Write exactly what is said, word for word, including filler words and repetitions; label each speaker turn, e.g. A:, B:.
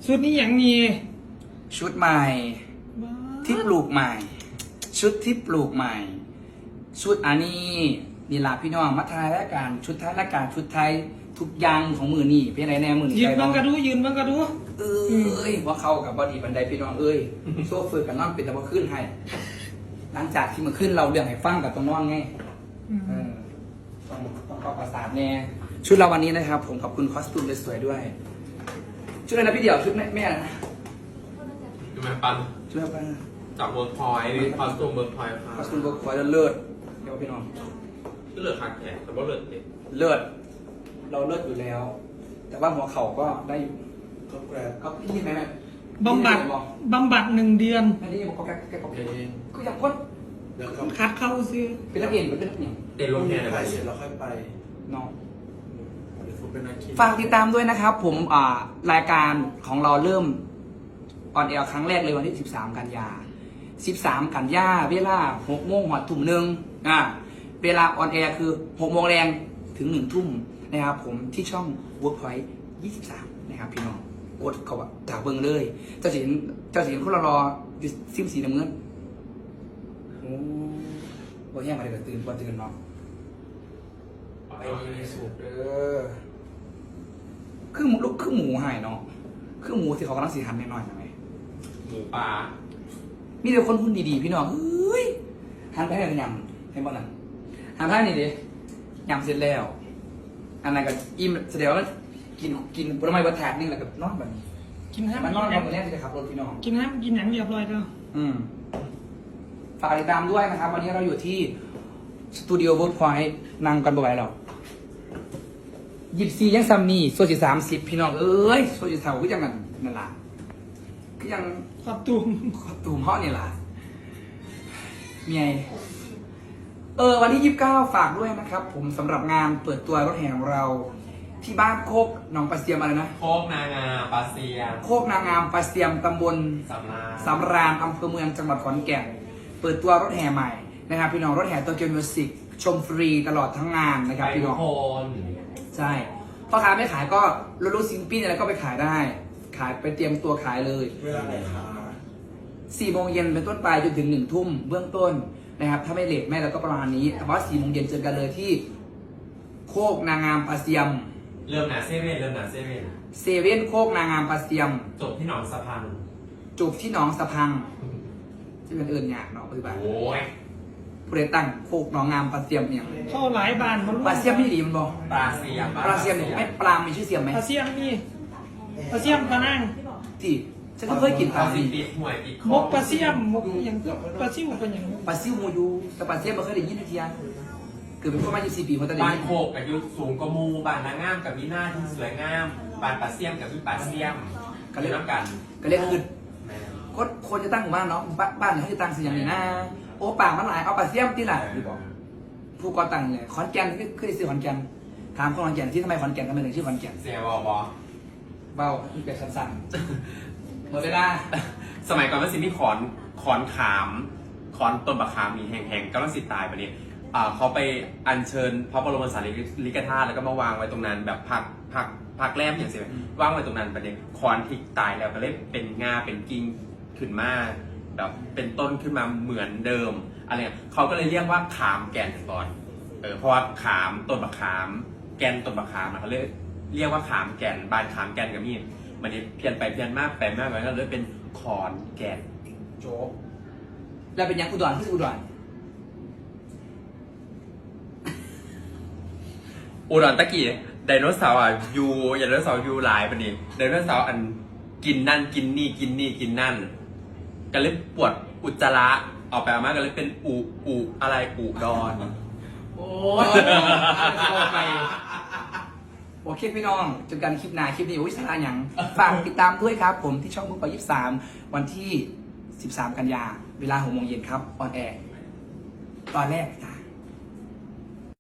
A: ชุดนี้อย่างนี้
B: ชุดใหม่ที่ปลูกใหม่ ชุดที่ปลูกใหม่ ชุดอันนี้นี่ลาพี่น้องมัทายรายการชุดท้ายรายการชุดไทยทุกอย่างของมือนี่เป็นไรแน่มือนี่
A: ยืนบังกระดูยืนบังกระดู
B: เอ้ยว่าเข้ากับบอดีบันไดพี่น้องเอ้ยโซ่ฝึกกับน้องเป็นตะบะขึ้นให้หลังจากที่มันขึ้นเราเรื่องให้ฟังกับตรงน้องไงเออต้องต้องเข้าประสาทแน่ชุดเราวันนี้นะครับ ผมขอบคุณคอสตูมสวยๆด้วย ชุดอะไรนะพี่เดี่ยวชุดแม่แม่นะ
C: ดูไหมปัน
B: ชุดอะไรนะ
C: จากเวิร์กพอยต์คอสตูมเวิร์กพอยต์ค่ะ
B: คอสตูมเวิร์กพอยต์เลิศเดี๋ยวพี่น้อง
C: ก็เลือดคักแขกแต่ว่าเลือดเด็ก
B: เลิศเราเลิศอยู่แล้ว แต่ว่าหัวเข่าก็ได้อยู่
D: ก็แกรบ
B: ก็พี่ไหมแม่
A: บำบัดบำบัดหนึ่งเดือน
B: ไม่ได้บอกเขาแก้แก้บอก
D: เอ
B: เอง
D: ง
B: ก็ยังพ้น
D: เดี๋ยวเขา
A: คัดเข้าซื้อ
B: เป็นนักเรียนหรือเป็นนักเรียน
C: เต้นรถแห่อะไร
D: ไปเสร็จแล้วค่อยไป
B: น้อง
D: เดี๋ยวผมเป็นนักขี่
B: ฝากติดตามด้วยนะครับ ผมอ่ารายการของเราเริ่มออนแอร์ครั้งแรกเลยวันที่สิบสามกันยาสิบสามกันยาเวลาหกโมงหอดทุ่มหนึ่งอ่าเวลาออนแอร์คือหกโมงแรงถึงหนึ่งทุ่มนะครับผมที่ช่อง Workpoint ยี่สิบสามนะครับพี่น้องกดเขาว่าจากเบิ้งเลยเจ้าสินเจ้าสินคนเรารออยู่ซิมสีน้ำเงินโอ้บ่แห้งมาเลยก็ตื่นบ่ตื่นเนาะไปดีสุดเด้อคือหมูลูกคือหมูหายเนาะคือหมูที่เขากำลังสีหันหน่อยๆนะไหม
C: หมูป่า
B: มีแต่คนหุ่นดีๆพี่น้องเฮ้ยหันไปให้กันยำให้บ้างนั่นหันไปให้นี่ดิยำเสร็จแล้ว อันนั้นก็อิ่มแสดงว่ากินกินผลไม้บนถาดนี่แหละก็นอนแบบนี้
A: กินห้าม
B: มันน
A: กิ
B: อน
A: น
B: น
A: ห
B: อ
A: ยั
B: น
A: ง
B: ตัวแรกที่จะขับรถพี่น้อง
A: กินห้ามกินหยังเรียบร้อยแล้ว
B: อืมฝากติดตามด้วยนะครับ วันนี้เราอยู่ที่สตูดิโอเวิร์กพอยต์นั่งกันบ่อยหรอกยิบซียังซัมนี่โซจิสามสิบพี่น้องเอ้ยโซจิเท่าก็ยังกันนั่นล่ะก็ยัง
A: ขอบตุ่ม
B: ขอตูมเพาะนี่ล่ะเมียเออวันที่ยี่สิบเก้าฝากด้วยนะครับ ผมสำหรับงานเปิดตัวรถแห่ของเรา ที่บ้านโคกหนองปลาเสียมอะไรนะ
C: โคกนางาปลาเซียน
B: โคกนางงามปลาเสียมตำบล
C: สำราญ
B: สำราญอำเภอเมืองจังหวัดขอนแก่นเปิดตัวรถแห่ใหม่นะครับพี่น้องรถแห่โตเกียวมิวสิกชมฟรีตลอดทั้งงานนะครับ
C: ไป
B: พี่
C: ทุ
B: น้
C: ก
B: อง
C: คน
B: ใช่พ่อค้าไม่ขายก็รถรูซิงปิ้นอะไรก็ไปขายได้ ขายไปเตรียมตัวขายเลย
D: เวลาไหนคะ
B: สี่โมงเย็นเป็นต้นไปจนถึงหนึ่งทุ่มเบื้องต้นนะครับ ถ้าไม่เลทแม่เราก็ประมาณนี้แต่ว่าสี่โมงเย็นเจอกันเลยที่ โคกนางงามปลาเสียม
C: เริ่มหนาเซเว่นเริ่มหนาเซเว่น
B: เซเว่นโคกนางงามปลาเสียม
C: จบที่หนองสะพัง
B: จูบที่หนองสะพังที่เป็นเอิญหยากเนาะปฏิบัติ
C: โอ้ย
B: ผู้ใดตั้งโคกหนองงามปลาเสียมเนี่ย
A: เข้าหลายบานมัน
B: ปลาเสียมไม่ดีมันบอก
C: ปลาเซียม
B: ปลาเสียมเนี่ยไม่ปลามีชื่อเสียมไหม
A: ปลาเสียมนี่ปลาเสียมปลานั่ง
B: ที่ฉันก็เคยกินป
C: ปลา
B: ลา
C: ซี
B: สิ
C: ปิดห่วยปิดค
A: ม
C: อก
A: ปลาเสียมมกอย่างปลาซิวเป็นอย่าง
B: ปลาซิวโมยูแต่ปลาเสียมไม่เคยได้ยินทียังเกิดเป็นประมาณยี่สิบสี่ปีคนตะ
C: บ้า
B: ลิ
C: นโคกอายุสูงกว่ามูบ้านนางงามกับมีหน้าที่สวยงามบ้านปลาเซียมกับพี่ปลาเซียมก็เรียกน้ำกัน
B: ก็เรียกคือ
C: แม่
B: คนคนจะตั้งหมู่บ้านเนาะบ้านบ้านเนี่ยเขาจะตั้งเสียงนี่นะโอ้ป่ามันหลายเอาปลาเสียมที่ไหนผู้ก่อตั้งเนี่ยขอนแก่นคือคือซื้อขอนแก่นถามคนขอนแก่นที่ทำไมขอนแก่นทำไมถึงชื่อขอนแก่น
C: เสียบอบอ
B: เบาเป็นแบบสั้นๆหมดเวลา
C: สมัยก่อนมันสิมีขอนขอนขามขอนต้นบะขามมีแห่งๆกำลังสิตายไปเนี่ยอ่าเขาไปอัญเชิญพระบรมสารีริกธาตุแล้วก็มาวางไว้ตรงนั้นแบบพักพักพักแรมอย่างเสียวางไว้ตรงนั้นไปเนี่ยขอนที่ตายแล้วก็เลยเป็นงาเป็นกิ่งขึ้นมาแบบเป็นต้นขึ้นมาเหมือนเดิมอะไรเงี้ยเขาก็เลยเรียกว่าขามแก่นก่อนเออเพราะว่าขามต้นบะขาม แกนต้นบะขามนะเขาเรียกเรียกว่าขามแก่นบานขามแก่นกับมีดมันนี่เพี้ยนไปเพี้ยนมากไปมากไปก็เลยเป็นขอนแก่น
B: โจ๊กแล้วเป็นยังอุดรที่อุดร
C: อุดรตะกี้ไดโนเสาร์อ่ะยูไดโนเสาร์ยูหลายปะนี่ไดโนเสาร์อันกินนั่นกินนี่กินนี่กินนั่นก็เลยปวดอุจจาระออกไปมากก็เลยเป็นอุอุอะไรอุดร
B: โอ้ยไปโอเคพี่น้องเจอกันคลิปหน้าคลิปนี้โอ้ยสาระอย่างฝากติดตามด้วยครับ ผมที่ช่องมุกปอยี่สิบสามวันที่สิบสามกันยาเวลาหกโมงเย็นครับออนแอร์ตอนแรกจ้ะ